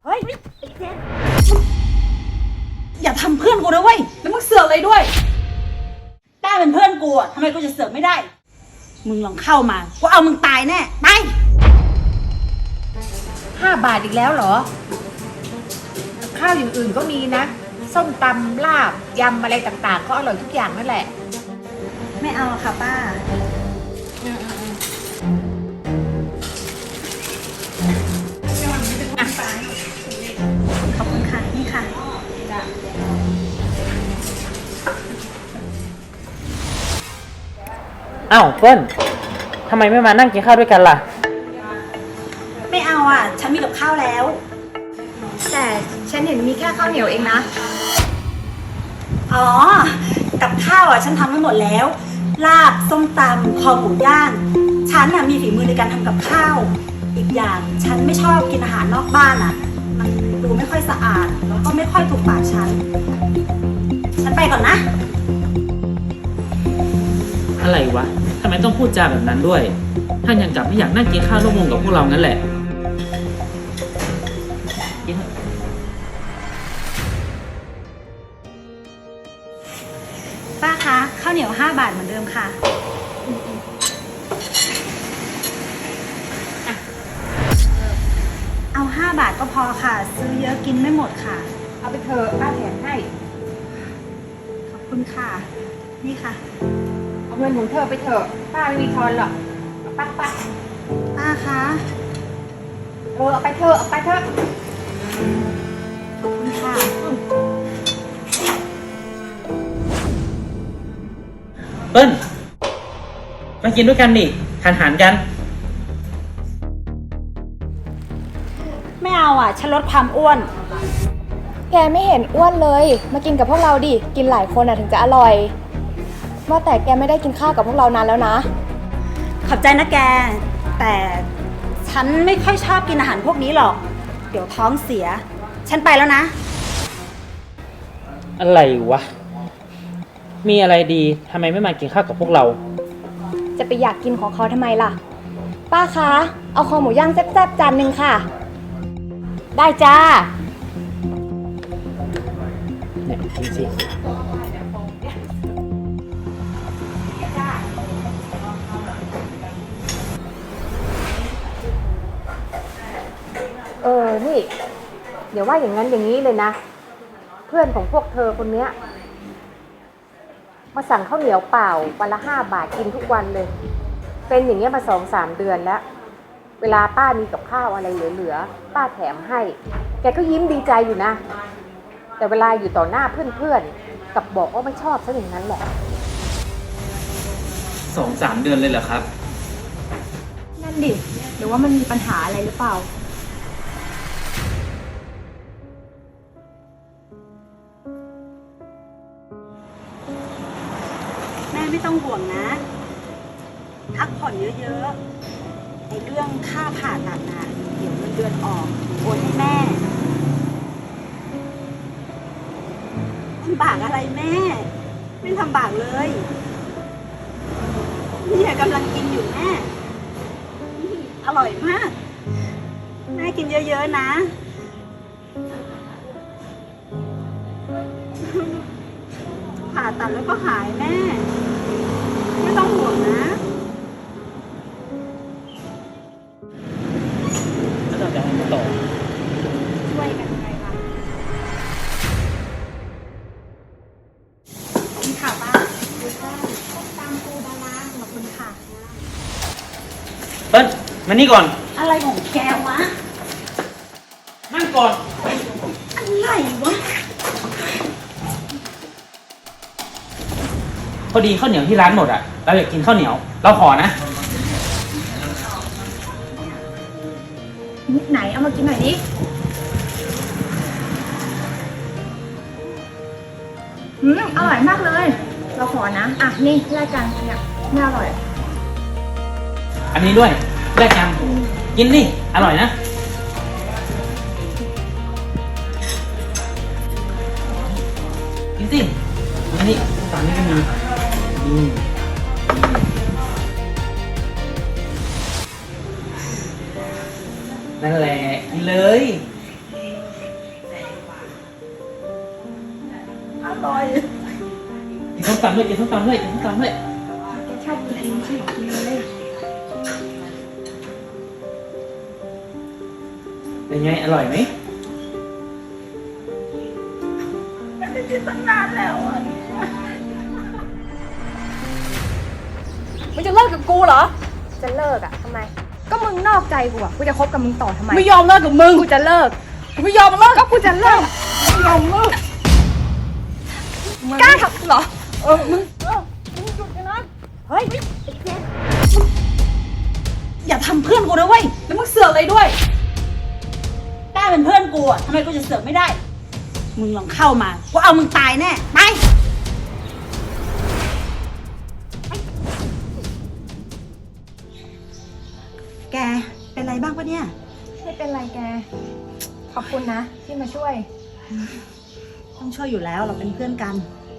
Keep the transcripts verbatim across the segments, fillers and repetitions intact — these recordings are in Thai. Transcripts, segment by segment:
เฮ้ยไอ้เจนอย่าทำเพื่อนกูนะเว้ยแล้วมึงเสือกเลยด้วยต้าเป็นเพื่อนกูอะทำไมกูจะเสือกไม่ได้มึงลองเข้ามากูเอามึงตายแน่ไปห้าบาทอีกแล้วเหรอข้าวอย่างอื่นก็มีนะส้มตำลาบยำอะไรต่างๆก็อร่อยทุกอย่างนั่นแหละไม่เอาค่ะป้าขอบคุณค่ะนี่ค่ะอ้าวเปิ้ลทำไมไม่มานั่งกินข้าวด้วยกันล่ะไม่เอาอ่ะฉันมีกับข้าวแล้วแต่ฉันเห็นมีแค่ข้าวเหนียวเองนะอ๋อกับข้าวอ่ะฉันทำไว้หมดแล้วลาบส้มตำคอหมูย่างฉันน่ะมีฝีมือในการทำกับข้าวอีกอย่างฉันไม่ชอบกินอาหารนอกบ้านอ่ะมันดูไม่ค่อยสะอาดแล้วก็ไม่ค่อยถูกปากฉันฉันไปก่อนนะอะไรวะทำไมต้องพูดจาแบบนั้นด้วยถ้ายังกลับไม่อยากนั่งกินข้าวร่วมวงกับพวกเรางั้นแหละป้าคะข้าวเหนียวห้าบาทเหมือนเดิมค่ะเอาห้าบาทก็พอค่ะซื้อเยอะกินไม่หมดค่ะเอาไปเถอะป้าแถมให้ขอบคุณค่ะนี่ค่ะเอาเงินของเธอไปเถอะป้าไม่มีทอนหรอกป้าป้าป้าคะเออเอาไปเถอะเอาไปเถอะขอบคุณค่ะเปิ้ลมากินด้วยกันดิหันหันกันไม่เอาอ่ะฉันลดความอ้วนแกไม่เห็นอ้วนเลยมากินกับพวกเราดิกินหลายคนอ่ะถึงจะอร่อยว่าแต่แกไม่ได้กินข้าวกับพวกเรานานแล้วนะขอบใจนะแกแต่ฉันไม่ค่อยชอบกินอาหารพวกนี้หรอกเดี๋ยวท้องเสียฉันไปแล้วนะอะไรวะมีอะไรดีทำไมไม่มากินข้าวกับพวกเราจะไปอยากกินของเขาทำไมล่ะป้าคะเอาคอหมูย่างแซ่บๆจานหนึ่งค่ะได้จ้าเนี่ยกินสิเออนี่เดี๋ยวว่าอย่างนั้นอย่างนี้เลยนะเพื่อนของพวกเธอคนเนี้ยมาสั่งข้าวเหนียวเปล่าวันละห้าบาทกินทุกวันเลยเป็นอย่างเงี้ยมาสองสามเดือนแล้วเวลาป้ามีกับข้าวอะไรเหลือๆป้าแถมให้แกก็ยิ้มดีใจอยู่นะแต่เวลาอยู่ต่อหน้าเพื่อนๆกับบอกว่าไม่ชอบซะอย่างนั้นแหละสองสามเดือนเลยเหรอครับนั่นดิหรือว่ามันมีปัญหาอะไรหรือเปล่าแม่ไม่ต้องห่วงนะพักผ่อนเยอะๆไอ้เรื่องค่าผ่าตัดน่ะเดี๋ยวเงินเดือนออกโอนให้แม่ลำบากอะไรแม่ไม่ลำบากเลยนี่กำลังกินอยู่แม่อร่อยมากแม่กินเยอะๆนะผ่าตัดแล้วก็หายแม่ไม่ต้องห่วงนะแล้วเราจะให้ต่อช่วยกันไงล่ะนี่ค่ะป้าดูค่ะต้มตำปูดาราขอบคุณค่ะเปิ้ลมานี่ก่อนอะไรของแกวะนั่งก่อนอะไรวะพอดีข้าวเหนียวที่ร้านหมดอ่ะเราอยากกินข้าวเหนียวเราขอนะไหนเอามากินหน่อยดิอืมอร่อยมากเลยเราขอนะอ่ะนี่แลกกันเนี่ยไม่อร่อยอันนี้ด้วยแลกกันกินดิอร่อยนะกินสิอันนี้ตอนนี้ก็มีนั่นแหละกินเลยร่อยกินส้มตำด้วยกินส้มตำด้วยกินส้มตำด้วยแกชอบกินใช่กินเลยเป็นไงอร่อยไหมมึงจะเลิกกับกูเหรอจะเลิกอะทำไมก็มึงนอกใจกูอะกูจะคบกับมึงต่อทำไมไม่ยอมเลิกกับมึงกูจะเลิกกูไม่ยอมเลิกก็กูจะเลิกไม่ยอมเลิกกล้าทำกูเหรอเออมึงเฮ้ยอย่าทำเพื่อนกูนะเว้ยแล้วมึงเสือกเลยด้วยกล้าเป็นเพื่อนกูอะทำไมกูจะเสือกไม่ได้ มึงลองเข้ามากูเอามึงตายแน่ไปแกเป็นไรบ้างปะเนี่ยไม่เป็นไรแก ขอบคุณนะที่มาช่วยต้องช่วยอยู่แล้วเราเป็นเพื่อนกัน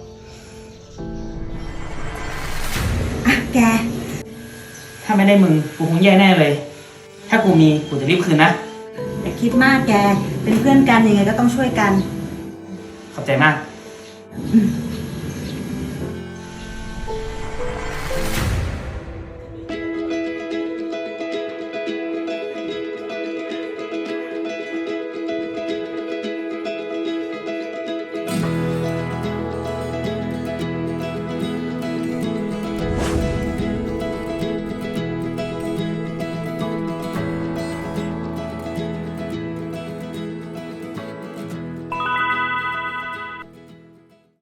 อ่ะแกถ้าไม่ได้มึงกูคงแย่แน่เลย ถ้ากูมีกูจะรีบคืนนะอย่าคิดมากแกเป็นเพื่อนกันยังไงก็ต้องช่วยกันขอบใจมากอืม